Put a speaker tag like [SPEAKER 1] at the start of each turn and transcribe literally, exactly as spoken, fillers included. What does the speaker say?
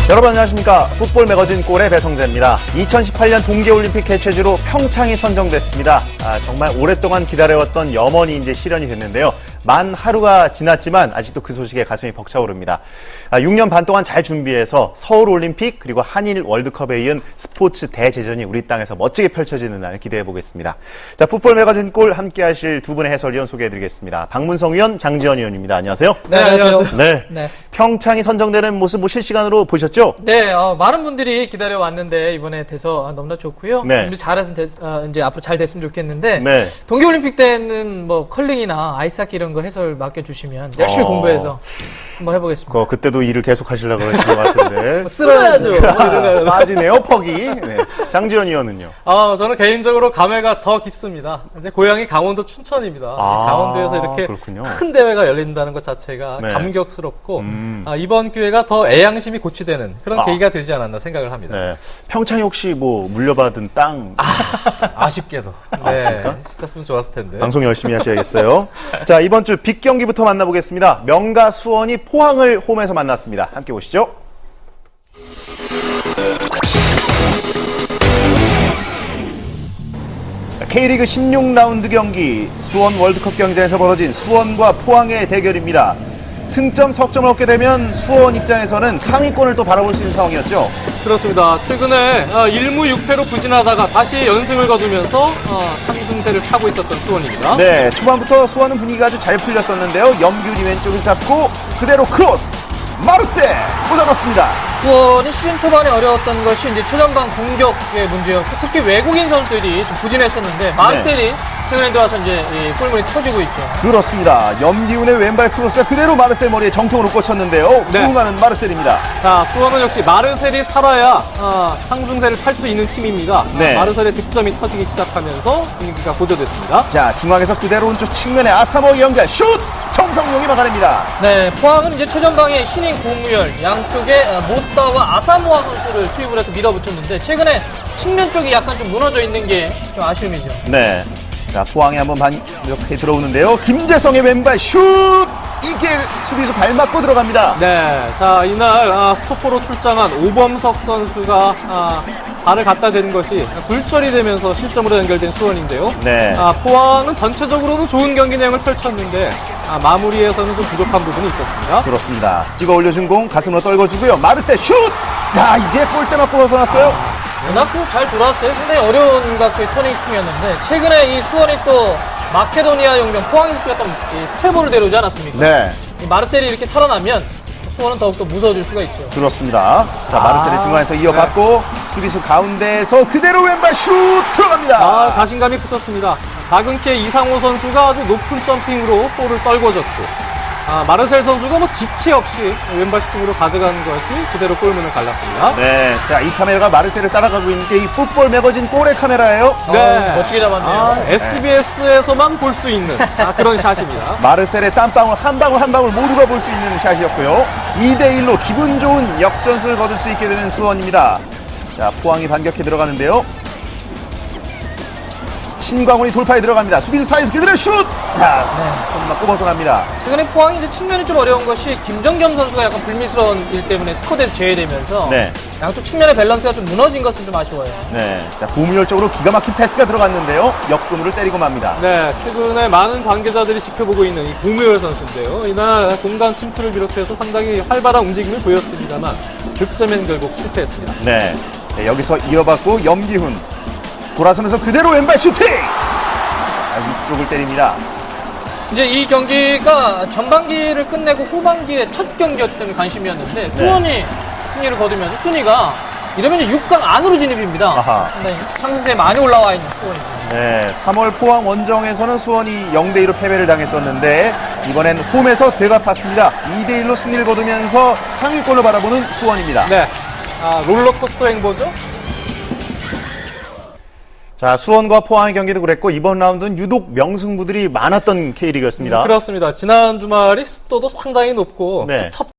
[SPEAKER 1] 여러분 안녕하십니까. 풋볼 매거진 골의 배성재입니다. 이천십팔 년 동계올림픽 개최지로 평창이 선정됐습니다. 아, 정말 오랫동안 기다려왔던 염원이 이제 실현이 됐는데요. 만 하루가 지났지만 아직도 그 소식에 가슴이 벅차오릅니다. 아, 육 년 반 동안 잘 준비해서 서울올림픽 그리고 한일 월드컵에 이은 스포츠 대제전이 우리 땅에서 멋지게 펼쳐지는 날 기대해 보겠습니다. 자, 풋볼 매거진 골 함께 하실 두 분의 해설위원 소개해드리겠습니다. 박문성 위원, 장지현 위원입니다. 안녕하세요.
[SPEAKER 2] 네, 안녕하세요.
[SPEAKER 1] 네.
[SPEAKER 2] 네.
[SPEAKER 1] 평창이 선정되는 모습 뭐 실시간으로 보셨죠?
[SPEAKER 2] 네, 어, 많은 분들이 기다려 왔는데 이번에 돼서 너무나 좋고요.
[SPEAKER 1] 네.
[SPEAKER 2] 준비 잘했으면 됐, 어, 이제 앞으로 잘 됐으면 좋겠는데
[SPEAKER 1] 네.
[SPEAKER 2] 동계올림픽 때는 뭐 컬링이나 아이스하키 이런 거 해설 맡겨주시면 열심히
[SPEAKER 1] 어.
[SPEAKER 2] 공부해서 한번 해보겠습니다.
[SPEAKER 1] 그, 그때도 일을 계속 하시려고 하시는 것 같은데.
[SPEAKER 2] 쓸어야죠.
[SPEAKER 1] 빠지네요, 퍽이. 네. 장지현 위원은요?
[SPEAKER 3] 아, 저는 개인적으로 감회가 더 깊습니다. 이제 고향이 강원도 춘천입니다.
[SPEAKER 1] 아,
[SPEAKER 3] 강원도에서 이렇게
[SPEAKER 1] 그렇군요.
[SPEAKER 3] 큰 대회가 열린다는 것 자체가
[SPEAKER 1] 네.
[SPEAKER 3] 감격스럽고
[SPEAKER 1] 음.
[SPEAKER 3] 아, 이번 기회가 더 애양심이 고취되는 그런
[SPEAKER 1] 아.
[SPEAKER 3] 계기가 되지 않았나 생각을 합니다.
[SPEAKER 1] 네. 평창이 혹시 뭐 물려받은 땅
[SPEAKER 3] 아쉽게도 네, 있었으면 좋았을 텐데.
[SPEAKER 1] 방송 열심히 하셔야겠어요. 자, 이번 주 빅 경기부터 만나보겠습니다. 명가 수원이 포항을 홈에서 만났습니다. 함께 보시죠. K리그 십육 라운드 경기 수원 월드컵 경기장에서 벌어진 수원과 포항의 대결입니다. 승점, 석점을 얻게 되면 수원 입장에서는 상위권을 또 바라볼 수 있는 상황이었죠.
[SPEAKER 3] 그렇습니다. 최근에 일 무 육 패로 부진하다가 다시 연승을 거두면서 어, 상승세를 타고 있었던 수원입니다.
[SPEAKER 1] 네, 초반부터 수원은 분위기가 아주 잘 풀렸었는데요. 염균이 왼쪽을 잡고 그대로 크로스! 마르세! 꽂아봤습니다.
[SPEAKER 2] 수원이 시즌 초반에 어려웠던 것이 이제 최전방 공격의 문제였고 특히 외국인 선수들이 좀 부진했었는데 마르셀이 최근에 들어와서 이제 이 골문이 터지고 있죠.
[SPEAKER 1] 그렇습니다. 염기훈의 왼발 크로스가 그대로 마르셀 머리에 정통으로 꽂혔는데요.
[SPEAKER 3] 네.
[SPEAKER 1] 부응하는 마르셀입니다.
[SPEAKER 3] 자, 수원은 역시 마르셀이 살아야 어, 상승세를 탈 수 있는 팀입니다.
[SPEAKER 1] 네.
[SPEAKER 3] 아, 마르셀의 득점이 터지기 시작하면서 분위기가 고조됐습니다.
[SPEAKER 1] 자, 중앙에서 그대로 오른쪽 측면에 아사모의 연결 슛! 정성용이 막아냅니다.
[SPEAKER 2] 네, 포항은 이제 최전방에 신인 고무열, 양쪽에 모따와 아사모아 선수를 투입을 해서 밀어붙였는데 최근에 측면 쪽이 약간 좀 무너져 있는 게 좀 아쉬움이죠.
[SPEAKER 1] 네. 자, 포항에 한번 반격해 들어오는데요. 김재성의 왼발 슛! 이게 수비수 발 맞고 들어갑니다.
[SPEAKER 3] 네, 자 이날 아, 스토퍼로 출장한 오범석 선수가 아, 발을 갖다 댄 것이 굴절이 되면서 실점으로 연결된 수원인데요.
[SPEAKER 1] 네.
[SPEAKER 3] 아, 포항은 전체적으로는 좋은 경기 내용을 펼쳤는데 아, 마무리에서는 좀 부족한 부분이 있었습니다.
[SPEAKER 1] 그렇습니다. 찍어 올려준 공 가슴으로 떨궈주고요. 마르셀 슛! 야, 이게 골대 맞고 벗어났어요.
[SPEAKER 2] 워낙 잘 돌아왔어요. 상당히 어려운 각도의 터닝 슈팅이었는데 최근에 이 수원이 또 마케도니아 용병 포항에서 뛰었던 이 스테보를 데려오지 않았습니까?
[SPEAKER 1] 네.
[SPEAKER 2] 이 마르셀이 이렇게 살아나면 수원은 더욱더 무서워질 수가 있죠.
[SPEAKER 1] 그렇습니다. 자, 마르셀의 중간에서 이어받고 수비수 가운데에서 그대로 왼발 슛 들어갑니다.
[SPEAKER 3] 아, 자신감이 붙었습니다. 작은 키의 이상호 선수가 아주 높은 점핑으로 볼을 떨궈줬고 아, 마르셀 선수가 뭐 지체 없이 왼발 슈팅으로 가져가는 것이 그대로 골문을 갈랐습니다.
[SPEAKER 1] 네, 자, 이 카메라가 마르셀을 따라가고 있는 게 이 풋볼 매거진 골의 카메라예요.
[SPEAKER 2] 네. 멋지게 잡았네요.
[SPEAKER 3] 아, 에스비에스에서만 볼 수 있는 아, 그런 샷입니다.
[SPEAKER 1] 마르셀의 땀방울 한 방울 한 방울 모두가 볼 수 있는 샷이었고요. 이 대 일로 기분 좋은 역전승을 거둘 수 있게 되는 수원입니다. 자, 포항이 반격해 들어가는데요. 신광훈이 돌파에 들어갑니다. 수비수 사이에서 그대로 슛! 자, 손 맞고 벗어납니다.
[SPEAKER 2] 최근에 포항이 이제 측면이 좀 어려운 것이 김정겸 선수가 약간 불미스러운 일 때문에 스쿼드에서 제외되면서
[SPEAKER 1] 네.
[SPEAKER 2] 양쪽 측면의 밸런스가 좀 무너진 것은 좀 아쉬워요.
[SPEAKER 1] 네, 자, 고무열적으로 기가 막힌 패스가 들어갔는데요. 역금으로 때리고 맙니다.
[SPEAKER 3] 네, 최근에 많은 관계자들이 지켜보고 있는 이 구무열 선수인데요. 이날 공간 침투를 비롯해서 상당히 활발한 움직임을 보였습니다만 득점엔 결국 실패했습니다.
[SPEAKER 1] 네, 네, 여기서 이어받고 염기훈 돌아서면서 그대로 왼발 슈팅! 아, 위쪽을 때립니다.
[SPEAKER 2] 이제 이 경기가 전반기를 끝내고 후반기에 첫 경기였기 때문에 관심이었는데 수원이 승리를 거두면서 순위가 이러면 이제 육 강 안으로 진입입니다.
[SPEAKER 1] 아하.
[SPEAKER 2] 상당히 상승세에 많이 올라와 있는 수원이죠.
[SPEAKER 1] 네, 삼월 포항 원정에서는 수원이 영 대 이로 패배를 당했었는데 이번엔 홈에서 되갚았습니다. 이 대 일로 승리를 거두면서 상위권을 바라보는 수원입니다.
[SPEAKER 3] 네, 아, 롤러코스터 행보죠?
[SPEAKER 1] 자, 수원과 포항의 경기도 그랬고 이번 라운드는 유독 명승부들이 많았던 K리그였습니다.
[SPEAKER 3] 그렇습니다. 지난 주말이 습도도 상당히 높고
[SPEAKER 1] 네.
[SPEAKER 3] 톱